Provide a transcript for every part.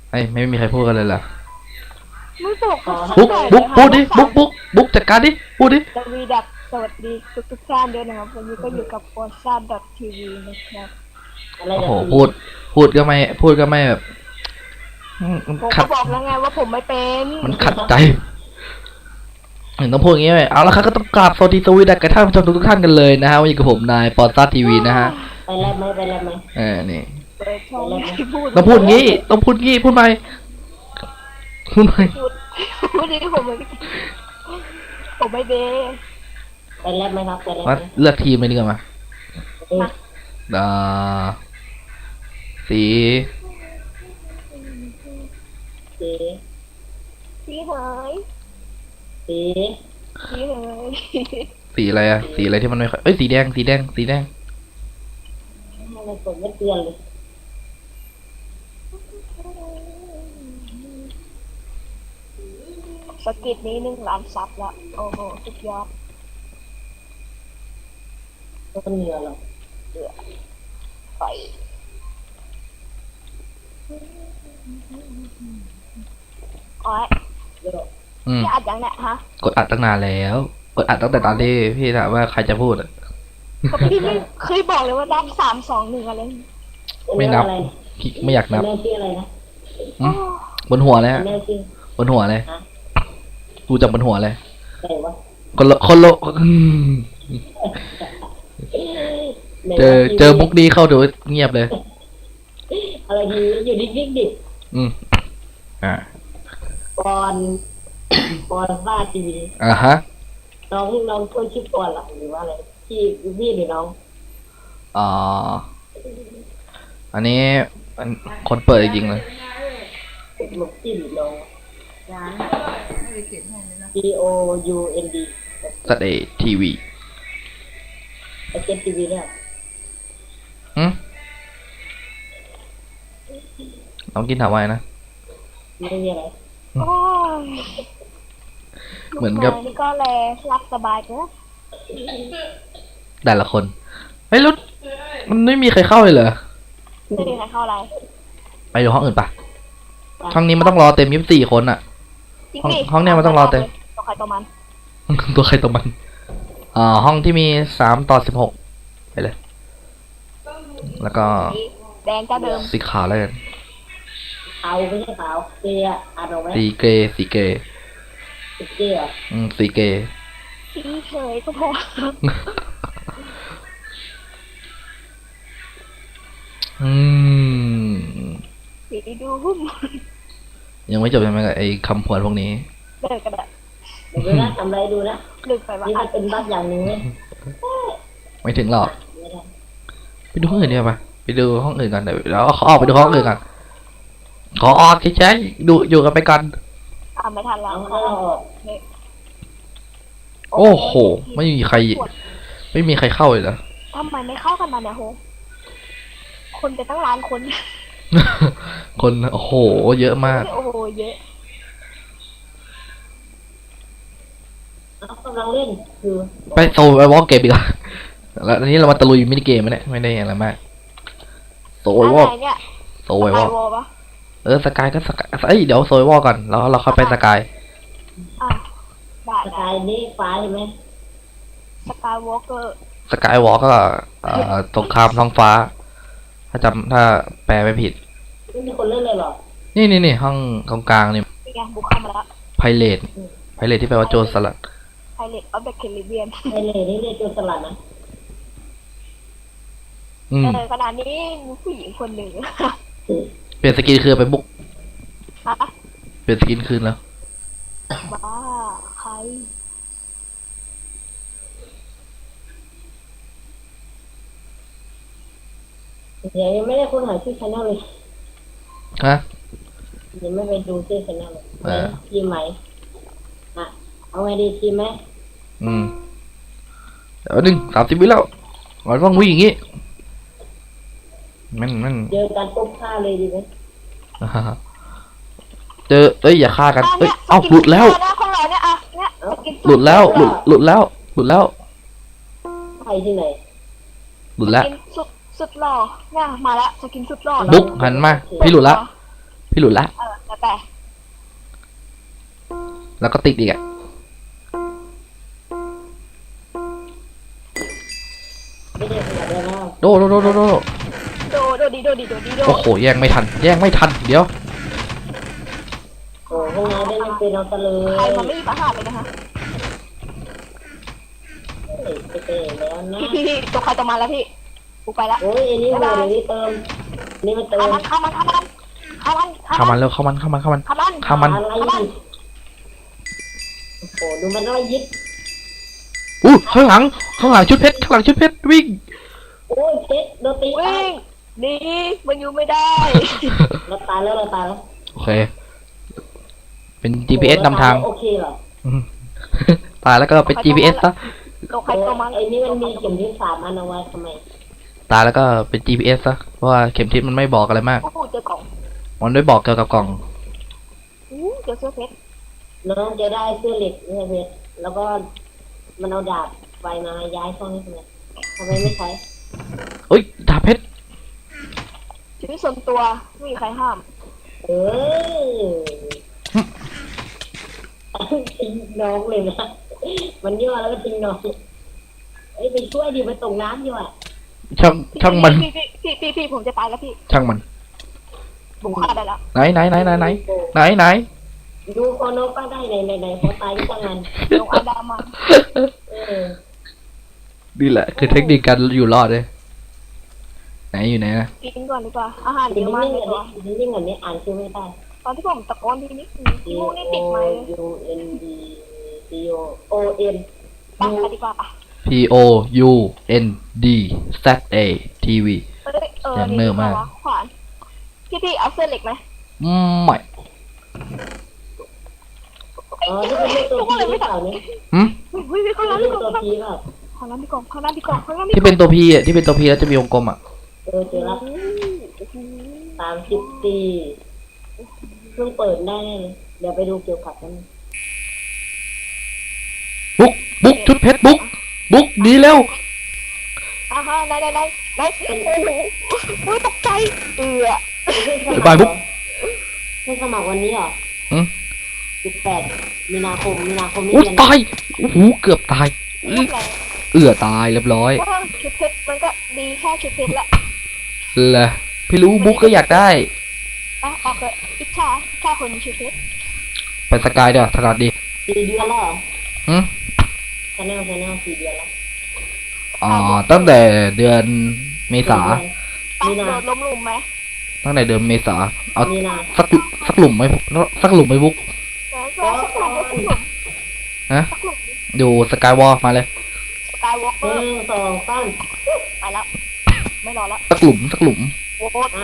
ไม่มีใครพูดกันเลยเหรอไม่บอกบุ๊กพูดดิบุ๊กจัดการดิพูดดิสวีดับสวัสดีทุกท่านด้วยนะครับวันนี้ก็อยู่กับโพสซ่าทีวีนะครับโอ้โหพูดก็ไม่แบบผมก็บอกแล้วไงว่าผมไม่เป็นมันขัดใจต้องพูดอย่างนี้ไหมเอาละครับก็ต้องกราบสวัสดีสวีดัสกับท่านผู้ชมทุกท่านกันเลยนะฮะวันนี้กับผมนายโพสซ่าทีวีนะฮะไปแล้วไหมนี่ต้องพูดงี้พูดไหมพูดนี้ผมไม่เบไปแล้วไหมครับไปแล้วมาเลือกทีมเลยดีกว่ามาสีหายสีหายสีอะไรอะสีอะไรที่มันไม่ค่อยสีแดงทำไมผมไม่เตือนเลยสกิดนี้1,000,000 ซับแล้วโอ้โหสุดยอดก็เหนื่อยหรอไปอ๋อพี่อัดยังเนี่ยฮะกดอัดตั้งนานแล้วกดอัดตั้งแต่ตอนที่พี่ถามว่าใครจะพูดก็พี่ไม่เคยบอกเลยว่านับ3 2 1อะไรไม่นับไม่อยากนับบนหัวเลยบนหัวเลยดูจากบนหัวเลยคนละเจอมุกดีเข้าดูเงียบเลยอะไรดีอยู่นิ่งๆดิปอนว่าทีวีฮะน้องคนชื่อปอนหรอหรือว่าอะไรที่พี่หรือน้องอันนี้คนเปิดจริงเลยลูกจิ้มน้องPOUND สเตย์ทีวีไอเจนทีวีเนี่ยน้องกินถามว่านะไม่มีอะไรเหมือนกับนี่ก็เลยรับสบายเนอะแต่ละคนเฮ้ยแล้วมันไม่มีใครเข้าเลยเหรอไม่มีใครเข้าอะไรไปดูห้องอื่นปะห้องนี้มันต้องรอเต็ม24 คนอ่ะห้องเนี้ยมันต้องรอเต็มตัวใครตัวมันห้องที่มี3:16ไปเลยแล้วก็แดงก็เดิมสีขาวแล้วกันเอาไม่ใช่ขาวเกย์อ่านออกไหมสีเกย์สีเกย์สีเกย์สีเฉยก็พอสีดูหุ้มยังไม่จบใช่ไหมกับไอ้คำพวนพวกนี้เลิกกันเดี๋ยวนะทำอะไรดูนะลึกไปว่านี่มันเป็นบั๊กอย่างนึงไม่ถึงหรอกไปดูห้องอื่นดีกว่าไปดูห้องอื่นกันเดี๋ยวแล้วเขาออกไปดูห้องอื่นกันขอออกใช่ดูอยู่กันไปกันไม่ทันแล้วโอ้โหไม่มีใครเข้าเลยเหรอทำไมไม่เข้ากันมาเนี่ยโหคนไปตั้งล้านคนโอ้โหเยอะมากโอ้โหเยอะกำลังเล่นคือไปโซไปวอล์กเกมอีกแล้วอันนี้เรามาตะลุยมินิเกมเนี่ยไม่ได้อะไรมากโซวอล์กสกายก็สกายเดี๋ยวโซวอล์กก่อนแล้วเราเข้าไปสกายสกายนี่ฟ้าใช่ไหมสกายวอล์กเกอร์สกายวอล์กก็สงครามท้องฟ้าถ้าแปลไม่ผิดไม่มีคนเล่นเลยหรอนี่ห้องตรงกลางนี่บุกเข้ามาแล้วไพเรตที่แปลว่าโจรสลัดไพเรตออฟเดอะแคริบเบียนไพเรตนี่เรียกโจรสลัดนะขณะนี้มีผู้หญิงคนหนึ่งเปลี่ยนสกินคือไปบุกเปลี่ยนสกินคืนแล้วบ้าใครยังไม่ได้ค้นหาชื่อชาแนลเลยฮะยังไม่ไปดูชื่อชาแนลเลยทีมไหมเอาไงดีทีมไหมเดี๋ยว30 วิแล้วเราต้องวิ่งอย่างงี้มันเจอกันปุ๊บฆ่าเลยดีไหมอย่าฆ่ากันหลุดแล้วหลุดแล้วใครที่ไหนสุดหล่อเนี่ยมาแล้วสกินสุดหล่อบุ๊กหันมาพี่หลุดแล้วพี่หลุดละแล้วแต่แล้วก็ติดอีกอะไม่ได้ขนาดนั้นแล้วโดโดโดโดโดโดดีโดโอ้โหแย่งไม่ทัน แย่งไม่ทัน เดี๋ยวโอ้พวกนายได้เล่นเป็นเราตะเลยใครมันไม่มีปัญหาเลยนะคะไปเตะแล้วนะพี่ตัวใครตัวมันแล้วพี่กูไปละโอ้ยอันนี้โหดอันนี้เติมนี่มันเติมเข้ามันเข้ามันเร็วเข้ามันอะไรเข้ามันโอ้โหดูมันน้อยยิบอู้ข้างหลังชุดเพชร ข้างหลังชุดเพชร วิ่งโอ้ยเพชรโดนตีวิ่งหนีมันอยู่ไม่ได้เราตายแล้วโอเค เป็น GPS นำทางโอเคเหรออืม ตายแล้วก็เป็น GPS ซะตัวใครตัวมันไอ้นี่มันมีเข็มทิศ3 อันเอาไว้ทำไมตายแล้วก็เป็น GPS ซะ เพราะว่าเข็มทิศมันไม่บอกอะไรมากโอ้โหเจอกล่องมันไม่บอกเกี่ยวกับกล่องเจอเสื้อเพชรน้องจะได้เสื้อเหล็กนี่เพชรแล้วก็มันเอาดาบไฟมาย้ายช่องนี้ทำไมไม่ใช้เอ้ย ดาบเพชรชีวิตส่วนตัวไม่มีใครห้ามเออทิ้งน้องเลยนะมันย่อแล้วก็ทิ้งน้องเอ้ยไปช่วยดิมันตกน้ำอยู่อ่ะช่างมันพี่ผมจะตายแล้วพี่ช่างมันผมฆ่าได้แล้วไหนดูคอนกก็ได้ในพอตายก็ช่างมันลงอาดามาเออนี่แหละ คือเทคนิคการอยู่รอดเลย ไหนอยู่ไหนนะกินก่อนดีกว่าอาหารเยนิ่อะมากงเลๆยก่ตัวอนนิ่งๆก่อนนี้อ่านชื่อไม่ได้ตอนที่ผมตะโกนทีนี้มูนี่ติดไหม U N D C O N ไปดีกว่าปะ P O U N D Z A T V ยังเนิ่มมากขวานพี่เอาเสื้อเหล็กไหมไม่อ๋อนี่เป็นลูกตัวพีหรือเปล่าเนี่ยหืมเฮ้ยเขาเป็ล้าน งลูพี่กกตัวองพีเปล่าเขาล้างพี่กองเขาล้างพี่กองเขาล้างพี่ที่เป็นตัว P อ่ะ ที่เป็นตัว P แล้วจะมีวงกลมอ่ะเจอแล้ว34เพิ่งเปิดได้เลยเดี๋ยวไปดูเกี่ยวกับกันบุ๊กชุดเพชรบุ๊กหนีเร็วอ่าฮะได้โอ้โหตกใจบ๊ายบายบุ๊กให้สมัครวันนี้เหรออืม 18 มีนาคมนี้อุ้ยเดือนตายโอ้โหเกือบตาย ตายเรียบร้อยก็ชุดเพชรมันก็ดีแค่ชุดเพชรละเลยพี่รู้บุ๊กก็อยากได้ออกเลยอิจฉาคนมีชุดเพชรไปสกายเดี๋ยวถนัดดี 4 เดือนแล้วเหรอหืมชาแนล4 เดือนแล้วตั้งแต่เดือนเมษามีนาโดดล้มลุมไหมตั้งแต่เดือนเมษา เอามีนาสักหลุมไหมสักหลุมไหมบุ๊กสักหลุมฮะสักหลุมดูสกายวอล์กมาเลยสกายวอล์กเกอร์ 1 2 3 ไปแล้วไม่รอแล้วสักหลุมโหวต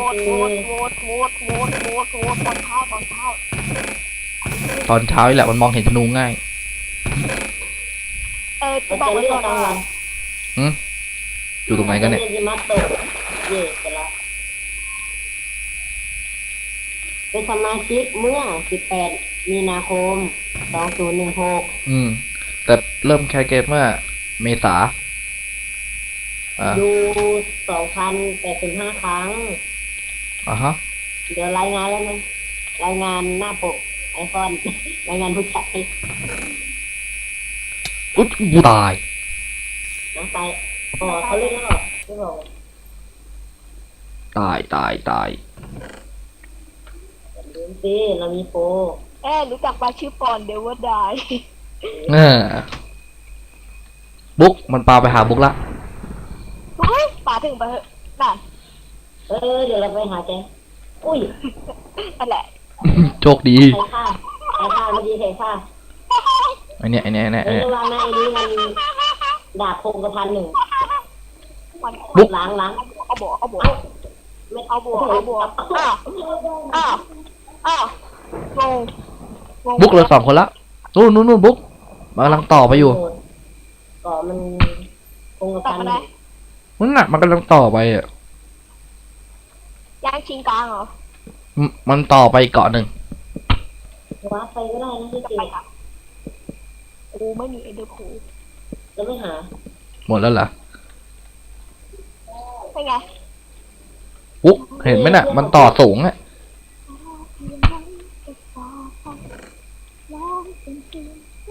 ตอนเช้าตอนเช้านี่แหละมันมองเห็นธนูง่ายจะบอกไว้ก่อนว่าอยู่ตรงไหนกันเนี่ยจะมาตกเย่กันละเป็นสมาชิกเมื่อ 18 มีนาคม 2016 แต่เริ่มแคสเกมเมื่อเมษาดู 2,085 ครั้งฮะเดี๋ยวรายงานแล้วนะ รายงานหน้าปกไอคอน รายงานผู้จัดให้อุ๊ยตายนะไปอ๋อเขาเล่นแล้วเหรอไม่บอกตายลืมสิเรามีโปรรู้จักปลาชื่อปอนเดวดายบุ๊กมันปาไปหาบุ๊กละเฮ้ยป่าถึงไปเถอะนั่นเดี๋ยวเราไปหาแกอุ้ยนั่นแหละโชคดีใครฆ่าเมื่อกี้ใครฆ่าไอเนี้ยระวังนะไอ้นี่มันดาบพงกระพัน 1 บุ๊กล้างเอาบัวไม่อ้าวงงบุ๊กเหลือ2 คนละนู่นบุ๊กมันกำลังต่อไปอยู่ก่อมันพงกระตัดพันมา 1 ได้นั่นน่ะมันกำลังต่อไปอ่ะย่างชิงกลางเหรอมันต่อไปเกาะหนึ่งว้าไปก็ได้นะที่จะจริไปงอ่ะกูไม่มีเอเดอร์พูแล้วไม่หาหมดแล้วเหรอเป็นไงบุ๊กเห็นไหมน่ะ มันต่อสูงอ่ะ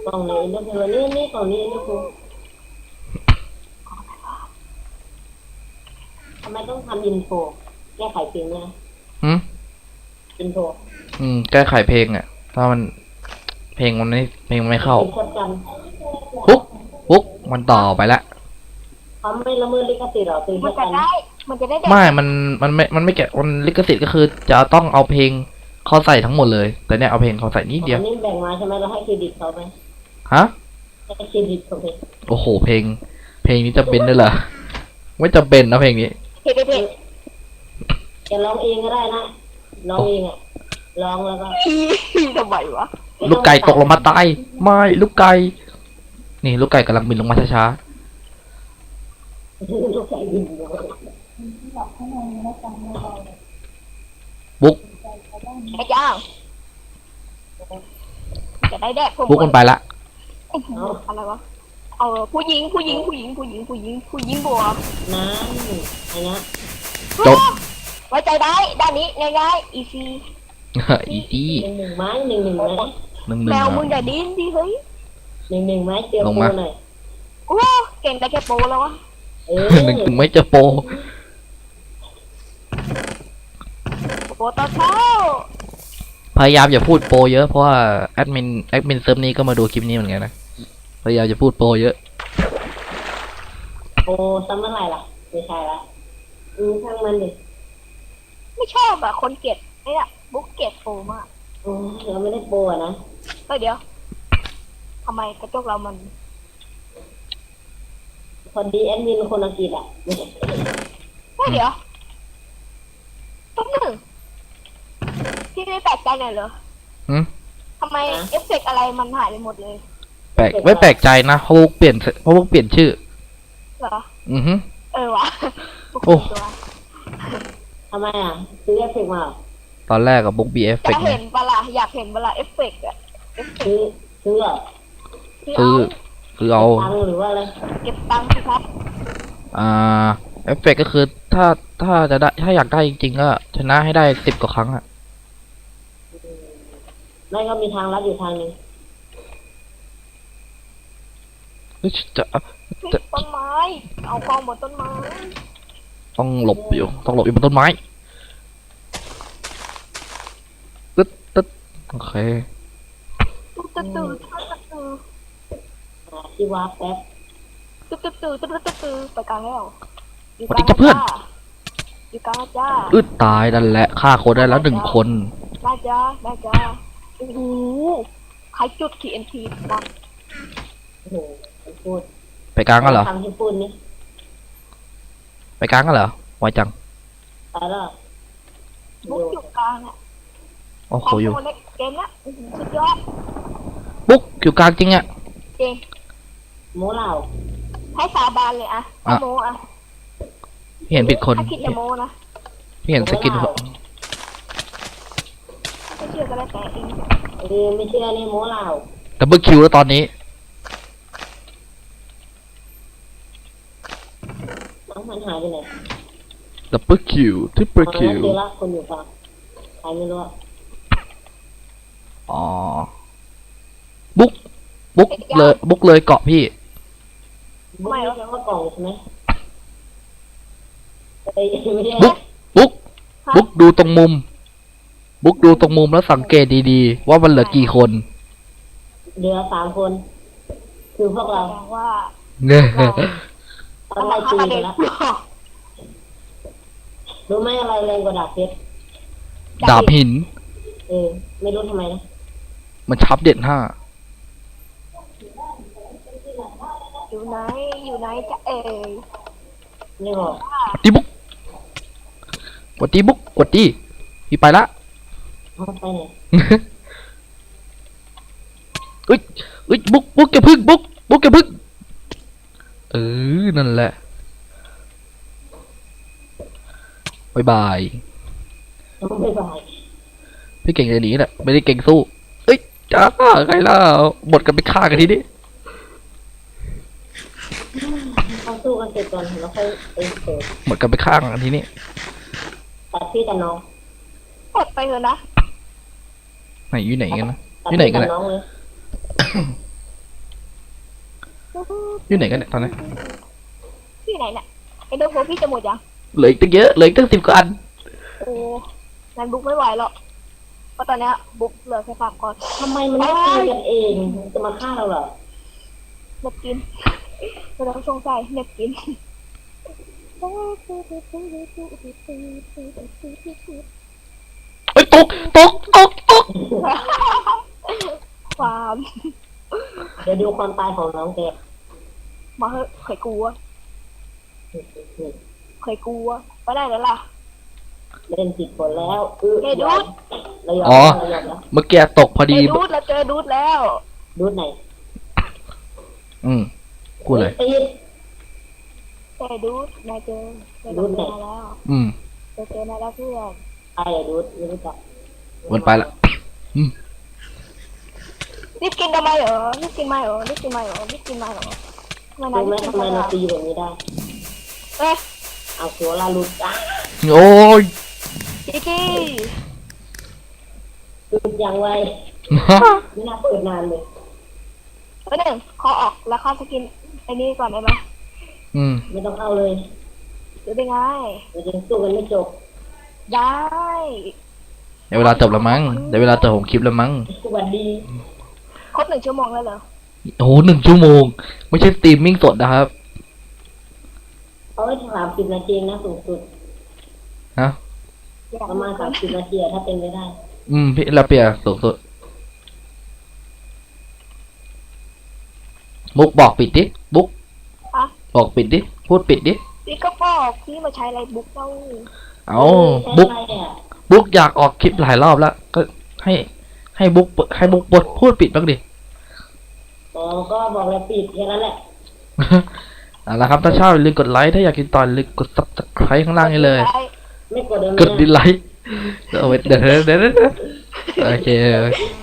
กล่องในเอ็นเดอร์เพลนี่กล่องนี้เอ็นเดอร์เพลทำไมต้องทำอินโฟแก้ไขเพลงเนี่ยหืมอินโฟแก้ไขเพลงอ่ะ ถ้ามันเพลงมันไม่เข้าเป็นคนจปุ๊กมันต่อไปละำเขาไม่ละเมิดลิขสิทธิ์หรอคือมันจะได้ มันจะได้เด็กไม่มันไม่แกะมันลิขสิทธิ์ก็คือจะต้องเอาเพลงเขาใส่ทั้งหมดเลย แต่เนี่ยเอาเพลงเขาใส่นิดเดียวอันนี้แบ่งมาใช่ไหมเราให้เครดิตเขาไหมฮะให้เครดิตเขาไหมโอ้โห เพลงนี้จะเป็นด้วยเหรอ ไม่จะเป็นนะเพลงนี้เด็กเด็กจะร้องเองก็ได้นะร้องเองอ่ะร้องแล้วก็ทำไมวะลูกไก่ตกลงมาตาย ไม่ลูกไก่ นี่ลูกไก่กำลังบินลงมาช้าลูกไก่บินอยู่ๆบุ๊กไอ้จ้างจะได้แดกผมบุ๊กมันไปละอะไรวะผู้หญิงบวกน้ำไอ้นะจบไว้ใจได้ด้านนี้ง่ายๆ easy อีจี้หนึ่งไม้หนึ่งไหมแมวมึงอย่าดิ้นดิเฮ้ยหนึ่งไม้เจอลงโปมาหน่อยโอ้เก่งได้แค่โปรแล้ววะหนึ่งถึงไม่เจอโปรโปรตอนเช้าพยายามอย่าพูดโปรเยอะเพราะว่าแอดมินเซิร์ฟนี้ก็มาดูคลิปนี้เหมือนกันนะ พยายามจะพูดโปรเยอะโอ้ซ้ำเมื่อไหร่ล่ะไม่ใช่ละช่างมันดิไม่ชอบอะคนเกลียดไอ้เนี่ยบุ๊กเกลียดโปรมากเราไม่ได้โปะนะเดี๋ยวทำไมกระจกเรามันพอดีแอดมินคนอังกฤษอ่ะเดี๋ยวต้นหนึ่งที่ไม่แปลกใจหน่อยเหรอหืมทำไมเอฟเฟกต์อะไรมันหายไปหมดเลยไม่แปลกใจนะเพราะบุ๊กเปลี่ยนชื่อเหรออือฮึวะโอ้ตัวทำไมอ่ะซื้อเอฟเฟกต์มาตอนแรกกับบุ๊กบีเอฟเฟจะกต์เห็นปะล่ะอยากเห็นปะล่ะเอฟเฟกต์อะเอฟเฟกซื้อต์ซื้อเหรอคือเอาตังค์หรือว่าอะไรเก็บตังค์สิครับเอฟเฟกต์ก็คือถ้าจะได้ถ้าอยากได้จริงๆก็ชนะให้ได้10 กว่าครั้งอะไม่ก็มีทางลัดอยู่ทางนึงเฮ้ยจะต้นไม้เอากองบนต้นไม้ต้องหลบอยู่บนต้นไม้ตึ๊ดโอเคตุ๊ดตุ๊ดตุ๊ดตุ๊ดที่วาร์ปแป๊บตุ๊ดตุ๊ดตุ๊ดตุ๊ดตุ๊ดไปกลางแล้วอยู่สวัสดีครับเพื่อนอยู่กลางแล้วจ้าตายนั่นแหละฆ่าคนได้แล้ว1 คนได้จ้าโอ้โหใครจุด TNT มาโอ้โหพูดไปกลางกันเหรอทำที่พูดนี่ไปกลางกันเหรอไวจังตายแล้วบุ๊กอยู่กลางเนี่ยโอ้โหความอยู่โหดในเกมละสุดยอดบุ๊กอยู่กลางจริงอะจริงโม้เหล่าให้สาบานเลยอะถ้าโมอะพี่เห็นผิดคนถ้าคิดจะโมนะพี่เห็นสกินไม่เชื่อก็ได้แต่เองไม่เชื่อนี่โม้เหล่าดับเบิลคิวแล้วตอนนี้น้องมันหายไปไหนดับเบิลคิวทริปเปิลคิวเจอละคนอยู่กลางใครไม่รู้อ๋อบุ๊กเลยเกาะพี่ไม่ใช่ว่ากล่องใช่ไหมไม่ใช่บุ๊กดูตรงมุม บุ๊กดูตรงมุมแล้วสังเกตดีๆ ว่ามันเหลือกี่คนเหลือ3 คน คือพวกเราแสดงว่าเนี่ยตอนไล่ตีไปแล้วรู้ไหมอะไรแรงกว่าดาบเพชรดาบหินไม่รู้ทำไมนะมันชับเด็ด5 อยู่ไหนจะเอ๋ยไม่บอกตีบุ๊กกดตีบุ๊กกดตีพี่ไปละเขาไปไหนเอ้ยบุ๊กแกพึ่งบุ๊กแกพึ่งนั่นแหละบายบายไม่บายพี่เก่งจะหนีแหละไม่ได้เก่งสู้เอ้ยจ้าใครล่ะหมดกันไปฆ่ากันทีนี้เขาสู้กันเสร็จก่อนแล้วค่อยไปเปิดหมดกันไปฆ่ากันทีนี้ตัดพี่แต่น้องกดไปเถอะนะไหนอยู่ไหนกันนะตัดอยู่ไหนพี่กันแต่นะน้องเลยอยู่ไหนกันเนี่ยตอนนี้ที่ไหนเนี่ยไอ้โดโฟพี่จะหมดยังเหลืออีกตั้งเยอะเหลืออีกตั้ง10 กว่าอันโอ้งั้นบุ๊กไม่ไหวหรอกเพราะตอนเนี้ยบุ๊กเหลือแค่3 ก้อนทำไมมันไม่ตีกันเองจะมาฆ่าเราเหรอเน็บกินเราต้องสงสัยเน็บกินเอ้ยตกความเดี๋ยวดูความตายของน้องแกมาเหอะเคยกลัวไปได้แล้วล่ะเล่นผิดคนแล้วเฮ้ยดูดเรายอมอ๋อเรายอมแล้วเมื่อกี้ตกพอดีเจอดูดแล้วเจอดูดแล้วดูดไหนพูดเลยตีดเจอดูดนายเจอดูดไหนนายแล้ว เจอนายแล้วเพื่อนใครอะดูดไม่รู้จักวนไปละรีบกินทำไมเหรอรีบกินไหมเหรอทำไมรู้นายไหมรีบกินทำไมไปเราล่ะตีแบบนี้ได้เอ๊ะเอาตัวลาลุดอ่ะโอ้ยจิกกี้ดูดอย่างไวไม่น่าเปิดนานเลยตัวหนึ่งขอออกแล้วเข้าสกินไอ้นี่ก่อนได้ไหมไม่ต้องเข้าเลยหรือได้ไงเราจะสู้กันไม่จบได้เดี๋ยวเวลาจบแล้วมั้งเดี๋ยวเวลาจบของคลิปแล้วมั้งสวัสดีครบ1 ชั่วโมงแล้วเหรอโอ้โห1 ชั่วโมง ไม่ใช่สตรีมมิ่งสดนะครับเขาให้30 นาทีนะสูงสุดฮะอยากประมาณ30 นาทีอะถ้าเป็นไปได้พี่ลาเปียสูงสุดมุกบอกปิดดิบุ๊กอ่ะบอกปิดดิพูดปิดดิพี่ก็บอกพี่มาใช้อะไรบุ๊กเล่าเอาบุ๊กใช่ไหมอะบุ๊กอยากออกคลิปหลายรอบแล้ว ก็ให้บุ๊กบทพูดปิดบ้างดิอ๋อก็บอกแล้วปิดแค่นั้นแหละเอาละครับถ้าชอบอย่าลืมกดไลค์ถ้าอยากกินตอนอย่าลืมกด subscribe ข้างล่างนี้เลยไม่กดเดิมกดดิสไลค์เอาไว้เดี๋ยวโอเค